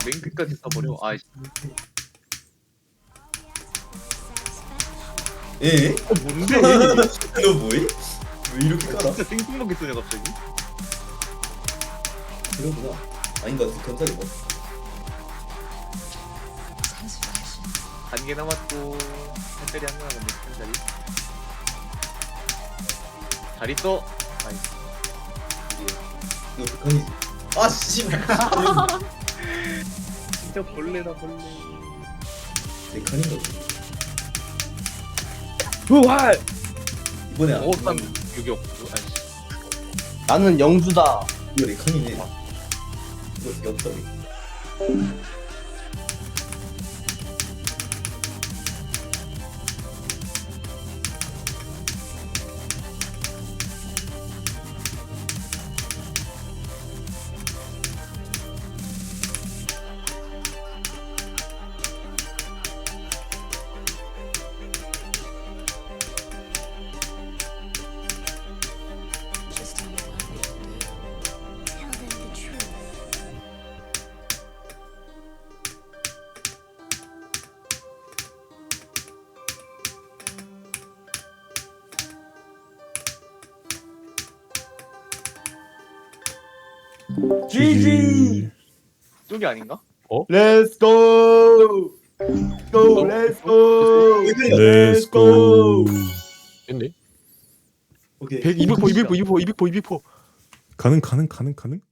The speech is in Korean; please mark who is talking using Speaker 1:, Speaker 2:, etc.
Speaker 1: 맨 끝까지 써버려. 아이씨.
Speaker 2: 에?
Speaker 1: 뭔데?
Speaker 2: 너 뭐해? 왜 이렇게 깔아?
Speaker 1: 진짜 생뚱맞게 쓰네 갑자기.
Speaker 2: 그러구나. 아닌가? 건설이 뭐?
Speaker 1: 한 개 남았고 한 자리 한 개 남았네. 한 자리. 잘 있어. 아이씨.
Speaker 2: 너 북한이지? 아 씨발.
Speaker 1: 진짜 벌레다 벌레.
Speaker 2: 내 칸인 거지.
Speaker 3: 부활.
Speaker 2: 이번에 안.
Speaker 1: 어떤 유격. 아이씨.
Speaker 3: 나는 영주다.
Speaker 2: 이거 내 칸이네. 이거 되게 없다.
Speaker 4: Just tell me what we can do. Tell them the truth.
Speaker 3: GG.
Speaker 1: 쪽이 아닌가?
Speaker 3: Let's go. Go. Let's go.
Speaker 5: Let's go.
Speaker 6: 됐네.
Speaker 2: 오케이.
Speaker 6: 100, 200포, 200포, 200포, 200포, 200포.
Speaker 5: 가능.